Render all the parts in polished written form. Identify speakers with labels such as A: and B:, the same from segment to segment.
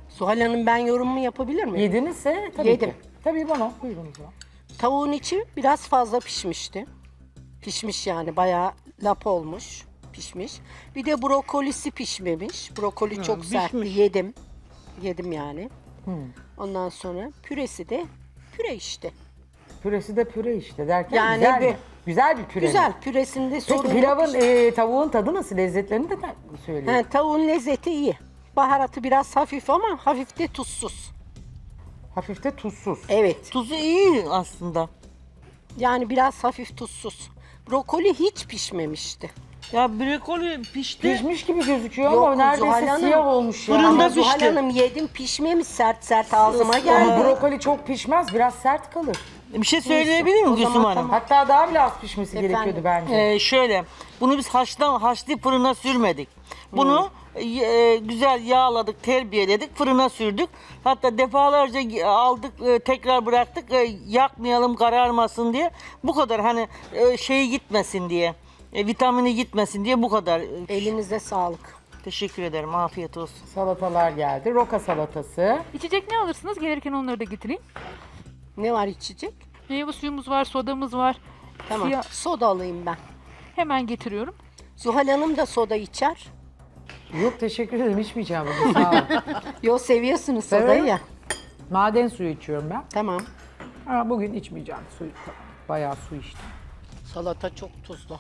A: Zuhal Hanım ben yorumumu yapabilir miyim?
B: Yedinizse tabii
A: Yedim.
B: ki. Tabii bana. Buyurun o zaman.
A: Tavuğun içi biraz fazla pişmişti. Pişmiş yani bayağı lap olmuş, pişmiş. Bir de brokolisi pişmemiş. Brokoli çok sertti. Yedim. Yedim yani. Ondan sonra püresi de püre işte.
B: Püresi de püre işte derken
A: Yani
B: güzel,
A: bir-
B: güzel bir püre.
A: Güzel. Püresinde
B: Peki
A: sorun yok.
B: pilavın, tavuğun tadı nasıl? Lezzetlerini de söyleyeyim.
A: He, tavuğun lezzeti iyi. Baharatı biraz hafif ama hafif de tuzsuz.
B: Hafif de tuzsuz.
A: Evet.
C: Tuzu iyi aslında.
A: Yani biraz hafif tuzsuz. Brokoli hiç pişmemişti.
C: Ya brokoli pişti.
B: Pişmiş gibi gözüküyor
A: Yok,
B: ama neredeyse
A: Zuhal Hanım.
B: siyah olmuş ya.
C: Fırında
A: Ama
C: pişti.
A: Zuhal Hanım yedim pişmemiş sert sert ağzıma
B: Ama
A: geldi.
B: brokoli çok pişmez, biraz sert kalır.
C: Bir şey söyleyebilir miyim
A: O zaman
C: Gülsüm Hanım?
A: tamam.
B: Hatta daha bile az pişmesi
A: Efendim?
B: gerekiyordu bence.
C: Şöyle, bunu biz haşlayıp fırına sürmedik. Bunu güzel yağladık, terbiyeledik, fırına sürdük. Hatta defalarca aldık, tekrar bıraktık, yakmayalım, kararmasın diye. Bu kadar hani şeyi gitmesin diye, vitamini gitmesin diye bu kadar.
A: Elinize sağlık.
C: Teşekkür ederim, afiyet olsun.
B: Salatalar geldi. Roka salatası.
D: İçecek ne alırsınız? Gelirken onları da getireyim.
A: Ne var içecek?
D: Meyve suyumuz var, sodamız var.
A: Tamam.
D: Siyah-
A: Soda alayım ben.
D: Hemen getiriyorum.
A: Zuhal Hanım da soda içer.
B: Yok teşekkür ederim, içmeyeceğim bugün, sağ olun.
A: Yo seviyorsunuz sodayı
B: Severim.
A: ya.
B: Maden suyu içiyorum ben.
A: Tamam.
B: Ha, bugün içmeyeceğim suyu. Bayağı su içtim.
A: Salata çok tuzlu.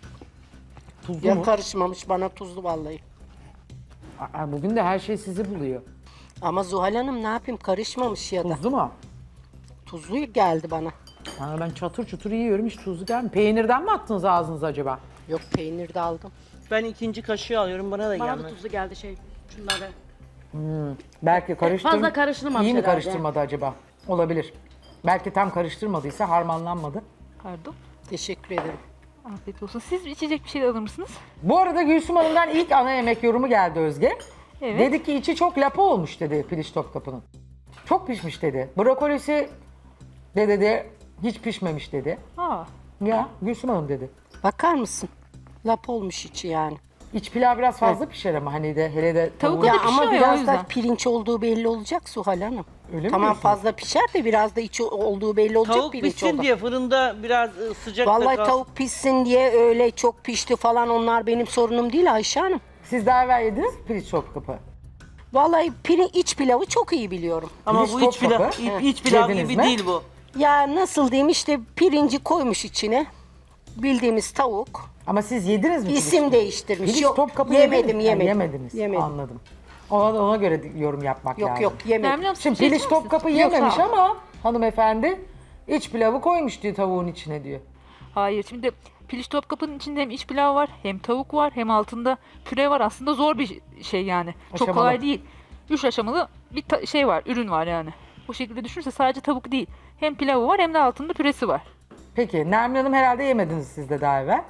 B: Tuzlu
A: Ya
B: mu?
A: karışmamış bana tuzlu vallahi.
B: Aa, bugün de her şey sizi buluyor.
A: Ama Zuhal Hanım ne yapayım karışmamış ya da.
B: Tuzlu mu?
A: Tuzlu geldi bana.
B: Ha, ben çatır çutur yiyorum, hiç tuzlu gelmiyor. Peynirden mi attınız ağzınıza acaba?
A: Yok peynir de aldım.
C: Ben ikinci kaşığı alıyorum, bana da
E: Bana da
C: gelmez.
E: tuzlu geldi şunları.
B: Belki
E: fazla karıştırmamış
B: İyi mi
E: herhalde.
B: karıştırmadı acaba? Olabilir. Belki tam karıştırmadıysa harmanlanmadı.
D: Pardon.
A: Teşekkür ederim.
D: Afiyet olsun. Siz içecek bir şey alır mısınız?
B: Bu arada Gülsüm Hanım'dan ilk ana yemek yorumu geldi Özge.
D: Evet.
B: Dedi ki içi çok lapa olmuş dedi piliç Topkapı'nın. Çok pişmiş dedi. Brokolisi de dedi hiç pişmemiş dedi.
D: Aa,
B: Ya Gülsüm Hanım dedi.
A: Bakar mısın? Lap olmuş içi yani.
B: İç pilav biraz fazla pişer ama hani de hele de
D: Tavuk
B: tavuğu-
D: da
A: Ya ama
D: pişiyor ya, o
A: biraz da
D: yüzden.
A: pirinç olduğu belli olacak Suhal Hanım.
B: Öyle mi
A: Tamam
B: diyorsunuz?
A: fazla pişer de biraz da içi olduğu belli olacak
C: Tavuk
A: pirinç
C: pişsin
A: oldu.
C: diye fırında biraz sıcakta
A: Vallahi
C: kalsın.
A: tavuk pişsin diye öyle çok pişti falan onlar benim sorunum değil Ayşe Hanım.
B: Siz daha evvel yediniz mi piliç Topkapı?
A: Vallahi iç pilavı çok iyi biliyorum.
C: Ama
B: Piliç
C: bu iç pilav,
B: Topkapı.
C: iç pilav
B: Yediniz
C: gibi
B: mi?
C: değil bu.
A: Ya nasıl diyeyim işte pirinci koymuş içine. Bildiğimiz tavuk.
B: Ama siz yediniz mi? piliç?
A: İsim değiştirmiş.
B: Piliç
A: Yok
B: Topkapı
A: yemedim
B: yediniz mi?
A: yemedim.
B: Yemediniz.
A: Yemedim.
B: Anladım. Ona göre yorum yapmak
A: Yok
B: lazım.
A: yok yemedim.
D: Nermin Hanım, siz
B: Şimdi
D: şey
B: piliç
D: içer misiniz?
B: Topkapı
D: Yok,
B: yememiş
D: sağ ol.
B: ama hanımefendi iç pilavı koymuş diyor tavuğun içine diyor.
D: Hayır, şimdi piliç Topkapı'nın içinde hem iç pilav var, hem tavuk var, hem altında püre var. Aslında zor bir şey yani. Çok
B: Aşamalı.
D: kolay değil. 3 aşamalı bir şey var, ürün var yani. Bu şekilde düşünürse sadece tavuk değil. Hem pilavı var hem de altında püresi var.
B: Peki Nermin Hanım herhalde yemediniz siz de daha evvel.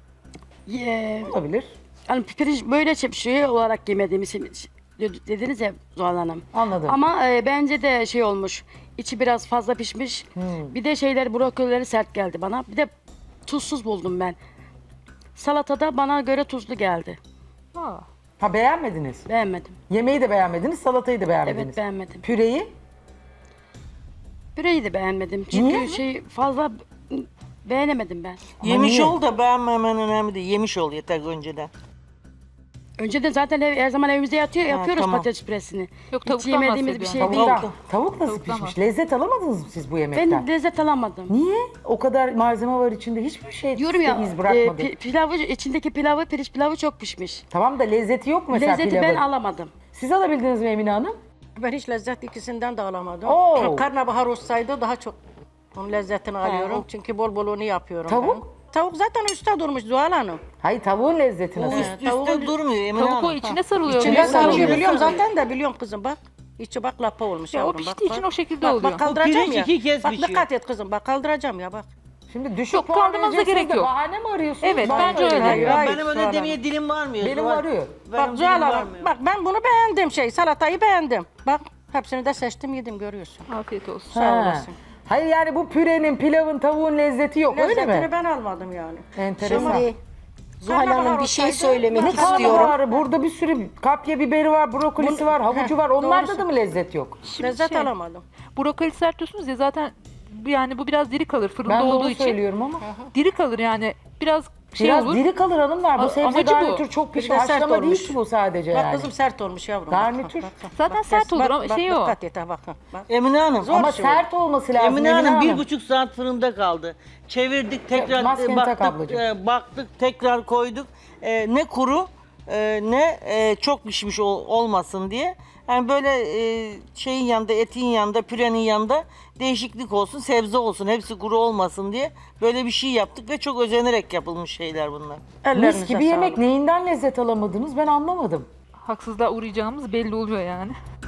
B: Olabilir.
E: Yani pirinç böyle şey olarak yemediğimiz için dediniz ya Zuhal Hanım.
B: Anladım.
E: Ama bence de şey olmuş. İçi biraz fazla pişmiş. Bir de brokolileri sert geldi bana. Bir de tuzsuz buldum ben. Salatada bana göre tuzlu geldi.
D: Aa.
B: Ha beğenmediniz.
E: Beğenmedim.
B: Yemeği de beğenmediniz, salatayı da beğenmediniz.
E: Evet beğenmedim.
B: Püreyi
E: Püreyi de beğenmedim. Çünkü
B: Niye?
E: fazla beğenemedim ben.
C: Yemiş
B: niye?
C: ol da beğenmemen önemli değil. Yemiş ol yeter önceden.
E: Önceden zaten her zaman evimizde yapıyoruz
C: tamam.
E: patates püresini.
D: Yok,
E: Hiç
D: tavuktan
E: yemediğimiz bir şey
D: bahsediyorum.
E: değil.
B: tavuk nasıl
D: Tavuktan
B: pişmiş?
D: var.
B: Lezzet alamadınız mı siz bu yemekten?
E: Ben lezzet alamadım.
B: Niye? O kadar malzeme var içinde hiçbir şey
E: Diyorum ya
B: iz bırakmadı.
E: içindeki pirinç pilavı çok pişmiş.
B: Tamam da lezzeti yok mu mesela
E: Lezzeti
B: pilavın?
E: ben alamadım.
B: Siz alabildiniz mi Emine Hanım?
A: Ben hiç lezzet ikisinden de alamadım.
B: Oo.
A: Karnabahar olsaydı daha çok onun lezzetini alıyorum.
B: o-
A: Çünkü bol bol onu yapıyorum
B: Tavuk?
A: ben. Tavuk zaten üstte durmuş Zuhal Hanım.
B: Hayır tavuğun lezzeti nasıl?
C: Üstte durmuyor Emine
D: Tavuk o
C: Hanım.
D: içine sarılıyor.
A: İçine
D: biliyor musun?
A: sarıyor biliyorum zaten de biliyorum kızım bak. İçi bak lapa olmuş
D: Ya o
A: yavrum.
D: piştiği
A: bak,
D: için
A: bak.
D: o şekilde
A: bak,
D: oluyor.
A: Bak kaldıracağım
C: pirinç
A: ya.
C: iki kez
A: Bak
C: pişiyor.
A: dikkat et kızım bak kaldıracağım ya bak.
B: Şimdi düşük
D: Yok,
B: puan
D: kaldırmanıza
B: vereceksiniz
D: gerek
B: de
D: yok.
B: bahane mi arıyorsunuz?
D: Evet,
B: Bana
D: bence
B: öyle
D: öyle.
B: geliyor.
C: Ya
A: Hayır,
C: benim
A: Zuhal
C: öyle
A: Hanım.
C: demeye dilim varmıyor.
B: Benim
C: Zuhal.
B: arıyor.
C: Benim
A: Bak
C: dilim
A: Zuhal Hanım
C: varmıyor.
A: bak ben bunu beğendim salatayı beğendim. Bak hepsini de seçtim yedim görüyorsun.
D: Afiyet olsun.
A: Sağ
B: Ha.
A: olasın.
B: Hayır yani bu pürenin, pilavın, tavuğun lezzeti yok öyle
A: Lezzetini
B: mi?
A: ben almadım yani.
B: Enteresan.
A: Şimdi Zuhal Hanım bir şey söylemek
B: Ne
A: istiyorum.
B: karnabaharı? Burada bir sürü kapya biberi var, brokolisi var, havucu var. Onlarda da mı lezzet yok?
D: Şimdi
A: Lezzet alamadım.
D: brokoli sert diyorsunuz ya zaten yani bu biraz diri kalır fırında
B: Ben de
D: olduğu
B: onu
D: için.
B: söylüyorum ama.
D: Diri kalır yani biraz şey
B: Biraz
D: olur.
B: diri kalır hanımlar. Bu
D: A-
B: sebze
D: amacı bu.
B: garnitür çok pişmiş.
A: Bir de sert
B: Haşlama değil
A: olmuş.
B: ki bu sadece
A: Bak
B: yani.
A: kızım sert olmuş yavrum.
B: Garnitür.
D: Zaten sert olur ama şey o.
A: Dikkat et ha bak. Bak.
C: Emine Hanım.
B: Ama
A: şey
B: sert olması lazım.
C: Emine Hanım 1,5 saat fırında kaldı. Çevirdik tekrar
B: maskeni tak
C: baktık,
B: ablacığım.
C: baktık tekrar koyduk. Ne kuru ne çok pişmiş olmasın diye. Yani böyle şeyin yanında, etin yanında, pürenin yanında değişiklik olsun, sebze olsun, hepsi kuru olmasın diye böyle bir şey yaptık ve çok özenerek yapılmış şeyler bunlar.
B: Mis gibi yemek neyinden lezzet alamadınız ben anlamadım.
D: Haksızlığa uğrayacağımız belli oluyor yani.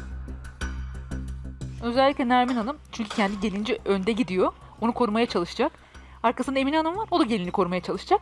D: Özellikle Nermin Hanım çünkü kendi gelince önde gidiyor. Onu korumaya çalışacak. Arkasında Emine Hanım var. O da gelini korumaya çalışacak.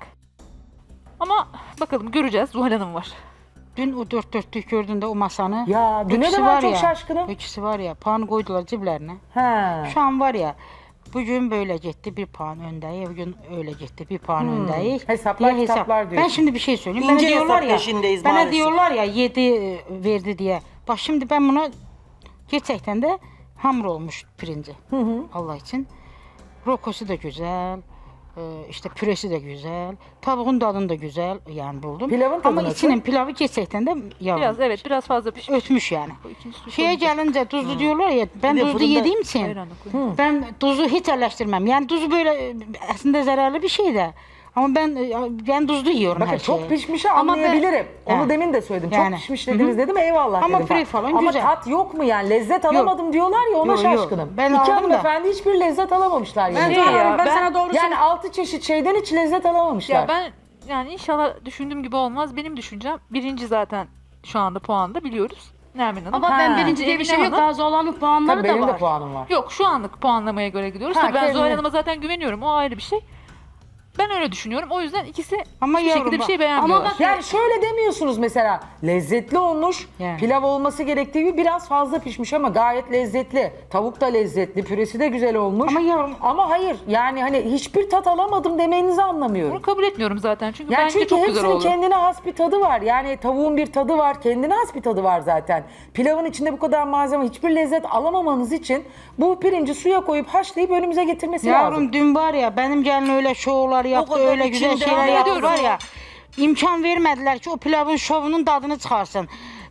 D: Ama bakalım göreceğiz. Zuhal Hanım var.
F: Dün o dört dörtlük gördüğünde o masanı.
B: Ya düne de
F: ikisi
B: ben çok
F: ya,
B: şaşkınım.
F: İkisi var ya puan koydular ciblerine.
B: He.
F: Şu an var ya bugün böyle gitti bir puan öndeyiz. Bugün öyle gitti bir puan öndeyiz.
B: Hesaplar
F: diye
B: kitaplar
F: Ben
B: diyorsun.
F: şimdi bir şey söyleyeyim.
C: İnce
F: Bana diyorlar
C: hesap
F: ya.
C: peşindeyiz
F: Bana
C: maalesef.
F: diyorlar ya 7 verdi diye. Bak şimdi ben buna gerçekten de hamur olmuş pirinci. Allah için. Rokosu da güzel. İşte püresi de güzel. Tavuğun tadını da güzel yani buldum.
B: Pilavın tadı
F: Ama
B: nasıl?
F: içinin pilavı gerçekten de yavrum.
D: Biraz evet biraz fazla pişmiş.
F: Ötmüş yani.
D: İkinci su
F: Şeye
D: koyacağız.
F: gelince tuzlu diyorlar ya ben
C: Bir de
F: tuzlu
C: fırında-
F: yediğim için
D: Ayranla koyun.
F: ben tuzu hiç eleştirmem. Yani tuzu böyle aslında zararlı bir şey de. Ama ben tuzlu yiyorum
B: Bakın
F: her
B: çok
F: şeyi.
B: pişmişi
F: Ama ben-
B: anlayabilirim. Onu
F: Yani.
B: demin de söyledim.
F: Yani.
B: Çok pişmiş dediniz dedim eyvallah
F: Ama
B: dedim.
F: püre falan
B: Ama
F: güzel.
B: tat yok mu yani? Lezzet alamadım diyorlar ya ona
F: Yok, yok.
B: şaşkınım.
F: Ben
B: İki
F: aldım da.
B: hanımefendi hiçbir lezzet alamamışlar yani.
A: Zuhal Hanım, ben
D: ben-
A: sana doğru
B: Yani 6 çeşit şeyden hiç lezzet alamamışlar.
D: Ya ben yani inşallah düşündüğüm gibi olmaz. Benim düşüncem birinci zaten şu anda puanda biliyoruz. Nermin Hanım.
E: Ama ben
B: Ha.
E: birinci diye bir şey
D: Emine
E: yok.
D: Hanım.
E: Daha Zuhal Hanım puanları
B: Tabii
E: da
B: benim de
E: var.
B: puanım var.
D: Yok şu anlık puanlamaya göre gidiyoruz.
B: Ha,
D: Tabii ben
B: kendine-
D: Zuhal Hanım'a zaten güveniyorum. O ayrı bir şey. Ben öyle düşünüyorum. O yüzden ikisi
F: Ama
D: hiçbir
F: yavrum
D: şekilde bir
F: bak-
D: şey beğenmiyorlar.
E: bak-
B: Yani şöyle demiyorsunuz mesela lezzetli olmuş,
F: Yani.
B: pilav olması gerektiği gibi biraz fazla pişmiş ama gayet lezzetli. Tavuk da lezzetli, püresi de güzel olmuş.
F: Ama yavrum-
B: Ama hayır yani hani hiçbir tat alamadım demenizi anlamıyorum.
D: Bunu kabul etmiyorum zaten. Çünkü
B: Yani
D: bence
B: çünkü
D: çok güzel
B: hepsinin
D: oldu.
B: kendine has bir tadı var. Yani tavuğun bir tadı var, kendine has bir tadı var zaten. Pilavın içinde bu kadar malzeme, hiçbir lezzet alamamanız için bu pirinci suya koyup haşlayıp önümüze getirmesi lazım.
F: Yavrum dün var ya benim gelin öyle şovlar yaptı,
C: kadar
F: öyle güzel
C: içinde
F: şeyler
C: ama
F: yaptı var ya. İmkan vermediler ki o pilavın şovunun tadını çıkarsın.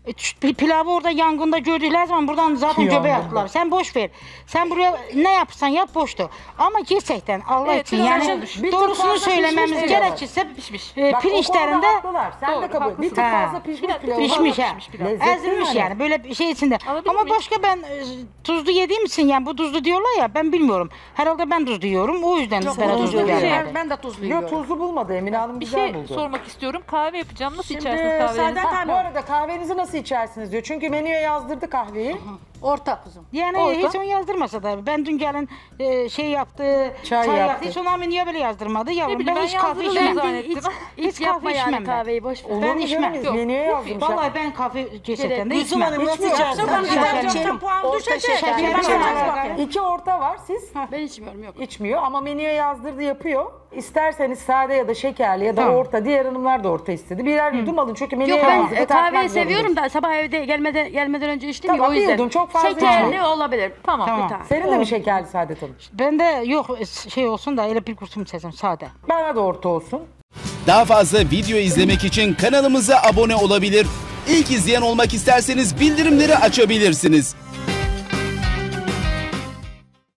F: Pilavı orada yangında gördükler zaman buradan zaten göbeğe
B: Yangında.
F: attılar. Sen boş ver. Sen buraya ne yapsan yap boştu. Ama gerçekten Allah
D: Evet,
F: için
D: biraz
F: yani
D: olmuş.
B: Bir tık
F: doğrusunu
B: fazla
F: söylememiz
B: pişmiş
F: gerekirse
D: Pişmiş.
B: Bak, o
F: pirinçlerinde
B: konuda haklılar. Sen de
D: Doğru,
B: kabul. Bir
D: haklısın.
B: tık
F: Ha.
B: fazla pişmiş
D: Biraz
B: pilav.
F: pişmiş ha.
D: pişmiş pilav.
B: Lezzetli
F: Ezilmiş yani böyle bir şey içinde.
D: Alabilir
F: Ama
D: miyim?
F: başka ben tuzlu yediğim için yani bu tuzlu diyorlar ya ben bilmiyorum. Herhalde ben tuzlu yiyorum o yüzden bana
C: tuzlu
F: tuzlu
C: değil.
F: gelmedi.
A: Ben de tuzlu
B: Yok
A: yiyorum.
B: tuzlu bulmadı Emine Hanım
D: Bir
B: güzel
D: şey
B: buldu.
D: sormak istiyorum. Kahve yapacağım. Nasıl
A: Şimdi
D: içersiniz kahvenizi?
A: Saadet
B: Ha, bu
A: Hanım.
B: arada kahvenizi nasıl içersiniz diyor. Çünkü menüye yazdırdı kahveyi.
A: Orta kızım.
F: Yani
D: Orada.
F: hiç onu yazdırmasa da ben dün gelin şey yaptı,
B: Çay
F: çay,
B: yaptı.
F: yaptı. Hiç ona niye böyle yazdırmadı yavrum?
D: bileyim, ben
F: hiç kahve
D: yazdırdım
F: içmem.
D: zannettim.
F: Hiç
E: Hiç yapma
F: kahve
E: yani
F: içmem ben.
E: kahveyi boş ver.
B: Olur
F: Ben
B: mu
F: içmem.
B: canım?
D: Yok.
B: Menüye yazmışlar.
F: Vallahi ben kahve gerçekten de
C: Gülsüm
F: içmem.
C: Hanım nasıl
B: Hiçmiyor.
C: içersiniz?
A: Ben
F: Şeker.
A: içerim. Puan
B: Orta
A: düşecek.
B: şeker.
F: Şeker.
A: Ben
F: Şeker.
A: ona bakayım.
B: 2 orta var siz
E: Ben içmiyorum yok.
B: içmiyor ama menüye yazdırdı yapıyor. İsterseniz sade ya da şekerli ya da
F: Tamam.
B: orta. Diğer hanımlar da orta istedi. Birer yudum alın çünkü menüye
E: Yok ben
B: yazdırdı.
E: kahveyi
B: tartmak
E: seviyorum
B: zorundayız.
E: da sabah evde gelmeden önce içtim
B: Tamam,
E: ya o
B: bir
E: yüzden.
B: yudum, çok fazla
E: Şekerli
B: içmeyin.
E: olabilir.
D: Tamam.
F: Tamam.
E: Bir tane.
B: Senin de mi şekerli Saadet Hanım?
F: Ben de yok şey olsun da öyle bir kurtum seçim sade.
B: Bana da orta olsun.
G: Daha fazla video izlemek için kanalımıza abone olabilir. İlk izleyen olmak isterseniz bildirimleri açabilirsiniz.